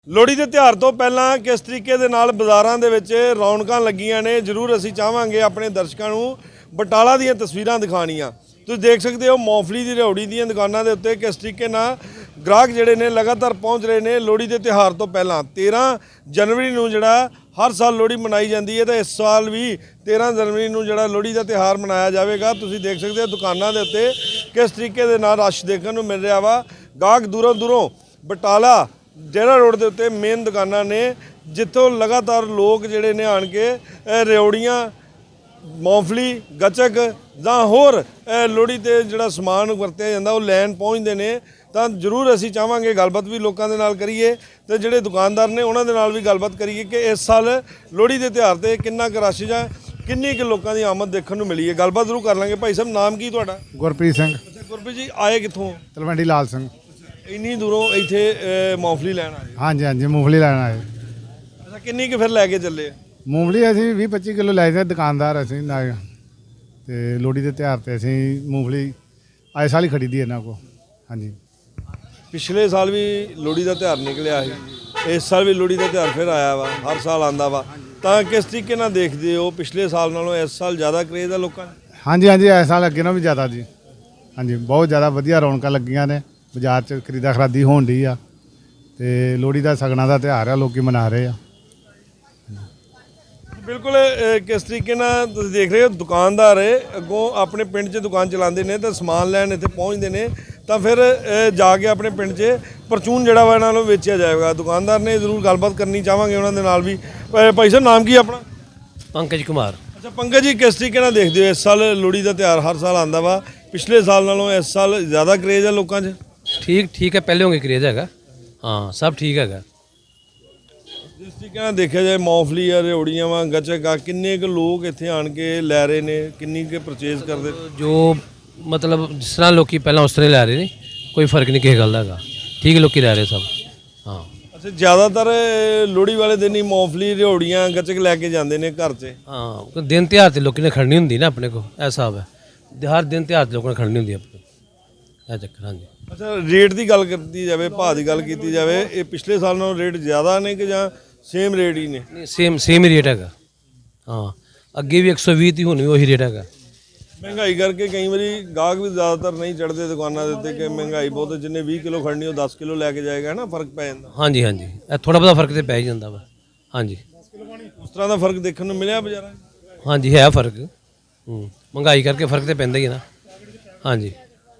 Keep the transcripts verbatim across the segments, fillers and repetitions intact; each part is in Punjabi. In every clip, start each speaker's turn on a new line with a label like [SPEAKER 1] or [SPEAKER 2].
[SPEAKER 1] ਲੋਹੜੀ ਦੇ ਤਿਉਹਾਰ ਤੋਂ ਪਹਿਲਾਂ ਕਿਸ ਤਰੀਕੇ ਦੇ ਨਾਲ ਬਾਜ਼ਾਰਾਂ ਦੇ ਵਿੱਚ ਰੌਣਕਾਂ ਲੱਗੀਆਂ ਨੇ ਜ਼ਰੂਰ ਅਸੀਂ ਚਾਹਾਂਗੇ ਆਪਣੇ ਦਰਸ਼ਕਾਂ ਨੂੰ ਬਟਾਲਾ ਦੀਆਂ ਤਸਵੀਰਾਂ ਦਿਖਾਣੀਆਂ। ਤੁਸੀਂ ਦੇਖ ਸਕਦੇ ਹੋ ਮੌਫਲੀ ਦੀ ਰਿਹੌੜੀ ਦੀਆਂ ਦੁਕਾਨਾਂ ਦੇ ਉੱਤੇ ਕਿਸ ਤਰੀਕੇ ਨਾਲ ਗ੍ਰਾਹਕ ਜਿਹੜੇ ਨੇ ਲਗਾਤਾਰ ਪਹੁੰਚ ਰਹੇ ਨੇ। ਲੋਹੜੀ ਦੇ ਤਿਉਹਾਰ ਤੋਂ ਪਹਿਲਾਂ ਤੇਰ੍ਹਾਂ ਜਨਵਰੀ ਨੂੰ ਜਿਹੜਾ ਹਰ ਸਾਲ ਲੋਹੜੀ ਮਨਾਈ ਜਾਂਦੀ ਹੈ ਤੇ ਇਸ ਸਾਲ ਵੀ ਤੇਰ੍ਹਾਂ ਜਨਵਰੀ ਨੂੰ ਜਿਹੜਾ ਲੋਹੜੀ ਦਾ ਤਿਉਹਾਰ ਮਨਾਇਆ ਜਾਵੇਗਾ। ਤੁਸੀਂ ਦੇਖ ਸਕਦੇ ਹੋ ਦੁਕਾਨਾਂ ਦੇ ਉੱਤੇ ਕਿਸ ਤਰੀਕੇ ਦੇ ਨਾਲ ਰਸ਼ ਦੇਖਣ ਨੂੰ ਮਿਲ ਰਿਹਾ ਵਾ। ਗਾਹਕ ਦੂਰੋਂ ਦੂਰੋਂ ਬਟਾਲਾ ਜਿਹੜਾ ਰੋਡ ਦੇ ਉੱਤੇ ਮੇਨ ਦੁਕਾਨਾਂ ਨੇ ਜਿੱਥੋਂ ਲਗਾਤਾਰ ਲੋਕ ਜਿਹੜੇ ਨੇ ਆਣ ਕੇ ਰਿਉੜੀਆਂ ਮੌਫਲੀ ਗੱਚਕ ਜਾਂ ਹੋਰ ਲੋਹੜੀ ਤੇ ਜਿਹੜਾ ਸਮਾਨ ਵਰਤਿਆ ਜਾਂਦਾ ਉਹ ਲੈਣ ਪਹੁੰਚਦੇ ਨੇ। ਤਾਂ ਜ਼ਰੂਰ ਅਸੀਂ ਚਾਹਾਂਗੇ ਗੱਲਬਾਤ ਵੀ ਲੋਕਾਂ ਦੇ ਨਾਲ ਕਰੀਏ ਤੇ ਜਿਹੜੇ ਦੁਕਾਨਦਾਰ ਨੇ ਉਹਨਾਂ ਦੇ ਨਾਲ ਵੀ ਗੱਲਬਾਤ ਕਰੀਏ ਕਿ ਇਸ ਸਾਲ ਲੋਹੜੀ ਦੇ ਤਿਉਹਾਰ ਤੇ ਕਿੰਨਾ ਕੁ ਰਸ਼ ਜਾਂ ਕਿੰਨੀ ਕੁ ਲੋਕਾਂ ਦੀ ਆਮਦ ਦੇਖਣ ਨੂੰ ਮਿਲੀ ਹੈ। ਗੱਲਬਾਤ ਜ਼ਰੂਰ ਕਰ ਲਾਂਗੇ। ਭਾਈ ਸਾਹਿਬ ਨਾਮ ਕੀ ਤੁਹਾਡਾ?
[SPEAKER 2] ਗੁਰਪ੍ਰੀਤ ਸਿੰਘ।
[SPEAKER 1] ਅੱਛਾ ਗੁਰਪ੍ਰੀਤ ਜੀ ਆਏ ਕਿੱਥੋਂ?
[SPEAKER 2] ਤਲਵੰਡੀ ਲਾਲ ਸਿੰਘ।
[SPEAKER 1] ਇੰਨੀ ਦੂਰੋਂ ਇੱਥੇ ਮੌਫਲੀ ਲੈਣ ਆਏ?
[SPEAKER 2] ਹਾਂਜੀ ਹਾਂਜੀ ਮੂੰਗਫਲੀ ਲੈਣ ਆਏ।
[SPEAKER 1] ਅੱਛਾ ਕਿੰਨੀ ਕੁ ਫਿਰ ਲੈ ਕੇ ਚੱਲੇ?
[SPEAKER 2] ਮੂੰਗਫਲੀ ਅਸੀਂ ਵੀਹ ਪੱਚੀ ਕਿਲੋ ਲੈ ਜਾਂਦੇ ਦੁਕਾਨਦਾਰ ਅਸੀਂ ਨਾ ਤੇ ਲੋਹੜੀ ਦੇ ਤਿਉਹਾਰ ਤੇ ਅਸੀਂ ਮੂੰਗਫਲੀ ਆਏ ਸਾਲ ਹੀ ਖਰੀਦੀ ਇਹਨਾਂ ਕੋਲ। ਹਾਂਜੀ
[SPEAKER 1] ਪਿਛਲੇ ਸਾਲ ਵੀ ਲੋਹੜੀ ਦਾ ਤਿਉਹਾਰ ਨਿਕਲਿਆ ਸੀ, ਇਸ ਸਾਲ ਵੀ ਲੋਹੜੀ ਦਾ ਤਿਉਹਾਰ ਫਿਰ ਆਇਆ ਵਾ, ਹਰ ਸਾਲ ਆਂਦਾ ਵਾ। ਤਾਂ ਕਿਸ ਤਰੀਕੇ ਨਾਲ ਦੇਖਦੇ ਹੋ ਪਿਛਲੇ ਸਾਲ ਨਾਲੋਂ ਇਸ ਸਾਲ ਜ਼ਿਆਦਾ ਕਰੇਜ਼ ਆ ਲੋਕਾਂ ਦਾ?
[SPEAKER 2] ਹਾਂਜੀ ਹਾਂਜੀ ਇਸ ਸਾਲ ਅੱਗੇ ਨਾਲੋਂ ਵੀ ਜ਼ਿਆਦਾ ਜੀ। ਹਾਂਜੀ ਬਹੁਤ ਜ਼ਿਆਦਾ ਵਧੀਆ ਰੌਣਕਾਂ ਲੱਗੀਆਂ ਨੇ ਬਾਜ਼ਾਰ 'ਚ, ਖਰੀਦਾ ਖਰਾਦੀ ਹੋਣ ਡਈ ਆ ਤੇ ਲੋਹੜੀ ਦਾ ਸਗਨਾਂ ਦਾ ਤਿਉਹਾਰ ਆ ਲੋਕੀ ਮਨਾ ਰਹੇ ਆ। ਬਿਲਕੁਲ
[SPEAKER 1] ਕਿਸ ਤਰੀਕੇ ਨਾਲ ਤੁਸੀਂ ਦੇਖ ਰਹੇ ਹੋ ਦੁਕਾਨਦਾਰ ਅੱਗੋਂ ਆਪਣੇ ਪਿੰਡ 'ਚ ਦੁਕਾਨ ਚਲਾਉਂਦੇ ਨੇ ਤਾਂ ਸਮਾਨ ਲੈਣ ਇੱਥੇ ਪਹੁੰਚਦੇ ਨੇ ਤਾਂ ਫਿਰ ਜਾ ਕੇ ਆਪਣੇ ਪਿੰਡ 'ਚ ਪਰਚੂਨ ਜਿਹੜਾ ਵਾ ਇਹਨਾਂ ਨੂੰ ਵੇਚਿਆ ਜਾਏਗਾ। ਦੁਕਾਨਦਾਰ ਨੇ ਜ਼ਰੂਰ ਗੱਲਬਾਤ ਕਰਨੀ ਚਾਹਾਂਗੇ ਉਹਨਾਂ ਦੇ ਨਾਲ ਵੀ। ਭਾਈ ਸਾਹਿਬ ਨਾਮ ਕੀ ਆਪਣਾ?
[SPEAKER 3] ਪੰਕਜ ਕੁਮਾਰ।
[SPEAKER 1] ਅੱਛਾ ਪੰਕਜ ਜੀ ਕਿਸ ਤਰੀਕੇ ਨਾਲ ਦੇਖਦੇ ਹੋ ਇਸ ਸਾਲ ਲੋਹੜੀ ਦਾ ਤਿਉਹਾਰ ਹਰ ਸਾਲ ਆਉਂਦਾ ਵਾ, ਪਿਛਲੇ ਸਾਲ ਨਾਲੋਂ ਇਸ ਸਾਲ ਜ਼ਿਆਦਾ ਕਰੇਜ਼ ਆ ਲੋਕਾਂ 'ਚ?
[SPEAKER 3] ਠੀਕ ਠੀਕ ਹੈ, ਪਹਿਲੇ ਹੋਗੇ ਕਰੇਜ਼ ਹੈਗਾ। ਹਾਂ ਸਭ ਠੀਕ ਹੈਗਾ।
[SPEAKER 1] ਜਿਸ ਤਰੀਕੇ ਨਾਲ ਦੇਖਿਆ ਜਾਏ ਮੌਫਲੀ ਆ ਰਿਉੜੀਆਂ ਵਾ ਗੱਚਕ ਆ, ਕਿੰਨੇ ਕੁ ਲੋਕ ਇੱਥੇ ਆਣ ਕੇ ਲੈ ਰਹੇ ਨੇ, ਕਿੰਨੀ ਕੁ ਪਰਚੇਜ਼ ਕਰਦੇ?
[SPEAKER 3] ਜੋ ਮਤਲਬ ਜਿਸ ਤਰ੍ਹਾਂ ਲੋਕੀ ਪਹਿਲਾਂ ਉਸ ਤਰ੍ਹਾਂ ਲੈ ਰਹੇ ਨੇ, ਕੋਈ ਫਰਕ ਨਹੀਂ ਕਿਸੇ ਗੱਲ ਦਾ ਹੈਗਾ। ਠੀਕ ਲੋਕੀ ਲੈ ਰਹੇ ਸਭ। ਹਾਂ
[SPEAKER 1] ਅੱਛਾ ਜ਼ਿਆਦਾਤਰ ਲੋਹੜੀ ਵਾਲੇ ਦਿਨ ਹੀ ਮੌਫਲੀ ਰਿਉੜੀਆਂ ਗੱਚਕ ਲੈ ਕੇ ਜਾਂਦੇ ਨੇ ਘਰ 'ਚ?
[SPEAKER 3] ਹਾਂ ਦਿਨ ਤਿਉਹਾਰ ਤੇ ਲੋਕੀ ਨੇ ਖੜਨੀ ਹੁੰਦੀ ਨਾ ਆਪਣੇ ਕੋਲ, ਇਹ ਹਿਸਾਬ ਹੈ। ਹਰ ਦਿਨ ਤਿਉਹਾਰ ਤੇ ਲੋਕਾਂ ਨੇ ਖੜਨੀ ਹੁੰਦੀ ਆਪਣੇ ਇਹ ਚੱਕਰ। ਹਾਂਜੀ
[SPEAKER 1] ਅੱਛਾ ਰੇਟ ਦੀ ਗੱਲ ਕੀਤੀ ਜਾਵੇ, ਭਾਅ ਦੀ ਗੱਲ ਕੀਤੀ ਜਾਵੇ, ਇਹ ਪਿਛਲੇ ਸਾਲ ਨਾਲੋਂ ਰੇਟ ਜ਼ਿਆਦਾ ਨੇ ਕਿ ਜਾਂ ਸੇਮ ਰੇਟ ਹੀ ਨੇ?
[SPEAKER 3] ਨਹੀਂ ਸੇਮ ਸੇਮ ਹੀ ਰੇਟ ਹੈਗਾ। ਹਾਂ ਅੱਗੇ ਵੀ ਇੱਕ ਸੌ ਵੀਹ ਦੀ ਹੁਣ ਵੀ ਉਹੀ ਰੇਟ ਹੈਗਾ।
[SPEAKER 1] ਮਹਿੰਗਾਈ ਕਰਕੇ ਕਈ ਵਾਰੀ ਗਾਹਕ ਵੀ ਜ਼ਿਆਦਾਤਰ ਨਹੀਂ ਚੜ੍ਹਦੇ ਦੁਕਾਨਾਂ ਦੇ ਉੱਤੇ ਕਿ ਮਹਿੰਗਾਈ ਬਹੁਤ, ਜਿੰਨੇ ਵੀਹ ਕਿਲੋ ਖੜਨੀ ਉਹ ਦਸ ਕਿਲੋ ਲੈ ਕੇ ਜਾਏਗਾ ਨਾ, ਫਰਕ ਪੈ ਜਾਂਦਾ।
[SPEAKER 3] ਹਾਂਜੀ ਹਾਂਜੀ ਇਹ ਥੋੜ੍ਹਾ ਬਹੁਤਾ ਫਰਕ ਤੇ ਪੈ ਹੀ ਜਾਂਦਾ ਵਾ। ਹਾਂਜੀ
[SPEAKER 1] ਉਸ ਤਰ੍ਹਾਂ ਦਾ ਫਰਕ ਦੇਖਣ ਨੂੰ ਮਿਲਿਆ ਬਾਜ਼ਾਰਾਂ 'ਚ?
[SPEAKER 3] ਹਾਂਜੀ ਹੈ ਫਰਕ। ਹੂੰ ਮਹਿੰਗਾਈ ਕਰਕੇ ਫਰਕ ਤੇ ਪੈਂਦਾ ਹੀ ਹੈ ਨਾ। ਹਾਂਜੀ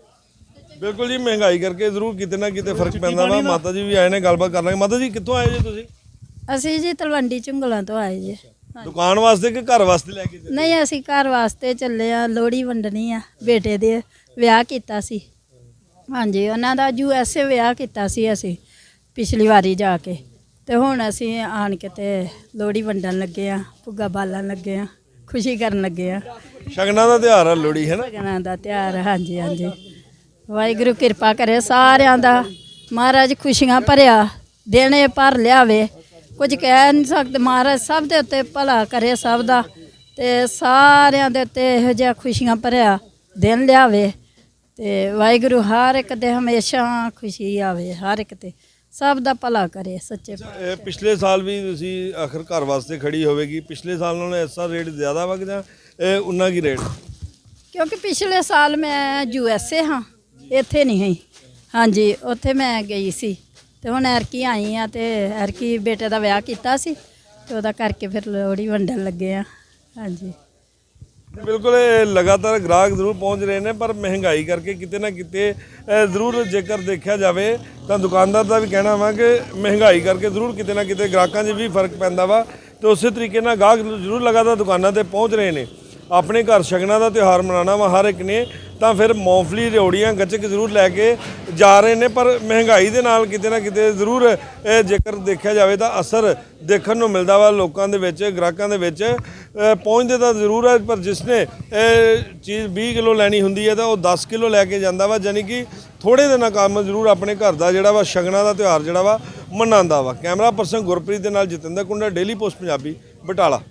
[SPEAKER 1] ਬਿਲਕੁਲ ਜੀ ਮਹਿੰਗਾਈ ਕਰਕੇ ਜ਼ਰੂਰ ਕਿਤੇ ਨਾ ਕਿਤੇ ਫਰਕ ਪੈਂਦਾ ਵਾ। ਮਾਤਾ ਜੀ ਵੀ ਆਏ ਨੇ, ਗੱਲਬਾਤ ਕਰ ਲਾਂਗੇ। ਮਾਤਾ ਜੀ ਕਿੱਥੋਂ ਆਏ ਜੀ ਤੁਸੀਂ?
[SPEAKER 4] ਅਸੀਂ ਜੀ ਤਲਵੰਡੀ ਝੁੰਗਲਾਂ ਤੋਂ ਆਏ ਜੀ।
[SPEAKER 1] ਦੁਕਾਨ ਵਾਸਤੇ ਕਿ ਘਰ ਵਾਸਤੇ ਲੈ ਕੇ ਚੱਲੇ?
[SPEAKER 4] ਨਹੀਂ ਅਸੀਂ ਘਰ ਵਾਸਤੇ ਚੱਲੇ ਆ, ਲੋਹੜੀ ਵੰਡਣੀ ਆ। ਬੇਟੇ ਦੇ ਵਿਆਹ ਕੀਤਾ ਸੀ। ਹਾਂਜੀ ਉਹਨਾਂ ਦਾ ਯੂ ਐਸ ਏ ਵਿਆਹ ਕੀਤਾ ਸੀ ਅਸੀਂ ਪਿਛਲੀ ਵਾਰੀ ਜਾ ਕੇ, ਤੇ ਹੁਣ ਅਸੀਂ ਆਣ ਕੇ ਤੇ ਲੋਹੜੀ ਵੰਡਣ ਲੱਗੇ ਆ, ਭੁੱਗਾ ਬਾਲਣ ਲੱਗੇ ਆ, ਖੁਸ਼ੀ ਕਰਨ ਲੱਗੇ ਆ।
[SPEAKER 1] ਸ਼ਗਨਾਂ ਦਾ ਤਿਉਹਾਰ ਆ ਲੋਹੜੀ, ਹੈ ਨਾ?
[SPEAKER 4] ਸ਼ਗਨਾਂ ਦਾ ਤਿਉਹਾਰ। ਹਾਂਜੀ ਹਾਂਜੀ ਵਾਹਿਗੁਰੂ ਕਿਰਪਾ ਕਰੇ ਸਾਰਿਆਂ ਦਾ, ਮਹਾਰਾਜ ਖੁਸ਼ੀਆਂ ਭਰਿਆ ਦਿਨ ਇਹ ਭਰ ਲਿਆਵੇ। ਕੁਝ ਕਹਿ ਨਹੀਂ ਸਕਦੇ, ਮਹਾਰਾਜ ਸਭ ਦੇ ਉੱਤੇ ਭਲਾ ਕਰੇ ਸਭ ਦਾ, ਤੇ ਸਾਰਿਆਂ ਦੇ ਉੱਤੇ ਇਹੋ ਜਿਹਾ ਖੁਸ਼ੀਆਂ ਭਰਿਆ ਦਿਨ ਲਿਆਵੇ ਤੇ ਵਾਹਿਗੁਰੂ ਹਰ ਇੱਕ ਦੇ ਹਮੇਸ਼ਾ ਖੁਸ਼ੀ ਆਵੇ, ਹਰ ਇੱਕ ਤੇ ਸਭ ਦਾ ਭਲਾ ਕਰੇ ਸੱਚੇ।
[SPEAKER 1] ਪਿਛਲੇ ਸਾਲ ਵੀ ਤੁਸੀਂ ਆਖਰ ਘਰ ਵਾਸਤੇ ਖੜੀ ਹੋਵੇਗੀ, ਪਿਛਲੇ ਸਾਲ ਨਾਲੋਂ ਇਸ ਸਾਲ ਰੇਟ ਜ਼ਿਆਦਾ ਵਾ ਕਿ ਜਾਂ ਉਨਾ ਕੀ ਰੇਟ?
[SPEAKER 4] ਕਿਉਂਕਿ ਪਿਛਲੇ ਸਾਲ ਮੈਂ ਯੂ ਐਸ ਏ ਹਾਂ, ਇੱਥੇ ਨਹੀਂ ਹੈ। ਹਾਂਜੀ ਉੱਥੇ ਮੈਂ ਗਈ ਸੀ ਤੇ ਹੁਣ ਐਰਕੀ ਆਈ ਆ ਤੇ ਐਰਕੀ ਬੇਟੇ ਦਾ ਵਿਆਹ ਕੀਤਾ ਸੀ ਤੇ ਉਹਦਾ ਕਰਕੇ ਫਿਰ ਲੋਹੜੀ ਵੰਡਣ ਲੱਗੇ ਆ। ਹਾਂਜੀ
[SPEAKER 1] ਬਿਲਕੁਲ ਲਗਾਤਾਰ ਗ੍ਰਾਹਕ ਜ਼ਰੂਰ ਪਹੁੰਚ ਰਹੇ ਨੇ, ਪਰ ਮਹਿੰਗਾਈ ਕਰਕੇ ਕਿਤੇ ਨਾ ਕਿਤੇ ਜ਼ਰੂਰ ਜੇਕਰ ਦੇਖਿਆ ਜਾਵੇ ਤਾਂ ਦੁਕਾਨਦਾਰ ਦਾ ਵੀ ਕਹਿਣਾ ਵਾ ਕਿ ਮਹਿੰਗਾਈ ਕਰਕੇ ਜ਼ਰੂਰ ਕਿਤੇ ਨਾ ਕਿਤੇ ਗ੍ਰਾਹਕਾਂ 'ਚ ਵੀ ਫਰਕ ਪੈਂਦਾ ਵਾ। ਤੇ ਉਸੇ ਤਰੀਕੇ ਨਾਲ ਗਾਹਕ ਜ਼ਰੂਰ ਲਗਾਤਾਰ ਦੁਕਾਨਾਂ 'ਤੇ ਪਹੁੰਚ ਰਹੇ ਨੇ। ਆਪਣੇ ਘਰ ਸ਼ਗਨਾਂ ਦਾ ਤਿਉਹਾਰ ਮਨਾਉਣਾ ਵਾ ਹਰ ਇੱਕ ਨੇ, ਤਾਂ ਫਿਰ ਮੌਫਲੀ ਰਿਉੜੀਆਂ ਗੱਚਕ ਜ਼ਰੂਰ ਲੈ ਕੇ ਜਾ ਰਹੇ ਨੇ। ਪਰ ਮਹਿੰਗਾਈ ਦੇ ਨਾਲ ਕਿਤੇ ਨਾ ਕਿਤੇ ਜ਼ਰੂਰ ਜੇਕਰ ਦੇਖਿਆ ਜਾਵੇ ਤਾਂ ਅਸਰ ਦੇਖਣ ਨੂੰ ਮਿਲਦਾ ਵਾ ਲੋਕਾਂ ਦੇ ਵਿੱਚ, ਗ੍ਰਾਹਕਾਂ ਦੇ ਵਿੱਚ। ਪਹੁੰਚਦੇ ਤਾਂ ਜ਼ਰੂਰ ਹੈ, ਪਰ ਜਿਸਨੇ ਇਹ ਚੀਜ਼ ਵੀਹ ਕਿਲੋ ਲੈਣੀ ਹੁੰਦੀ ਹੈ ਤਾਂ ਉਹ ਦਸ ਕਿਲੋ ਲੈ ਕੇ ਜਾਂਦਾ ਵਾ, ਯਾਨੀ ਕਿ ਥੋੜ੍ਹੇ ਦਿਨਾਂ ਕੰਮ ਜ਼ਰੂਰ ਆਪਣੇ ਘਰ ਦਾ ਜਿਹੜਾ ਵਾ ਸ਼ਗਨਾਂ ਦਾ ਤਿਉਹਾਰ ਜਿਹੜਾ ਵਾ ਮਨਾਉਂਦਾ ਵਾ। ਕੈਮਰਾ ਪਰਸਨ ਗੁਰਪ੍ਰੀਤ ਦੇ ਨਾਲ ਜਤਿੰਦਰ ਕੁੰਡਾ, ਡੇਲੀ ਪੋਸਟ ਪੰਜਾਬੀ, ਬਟਾਲਾ।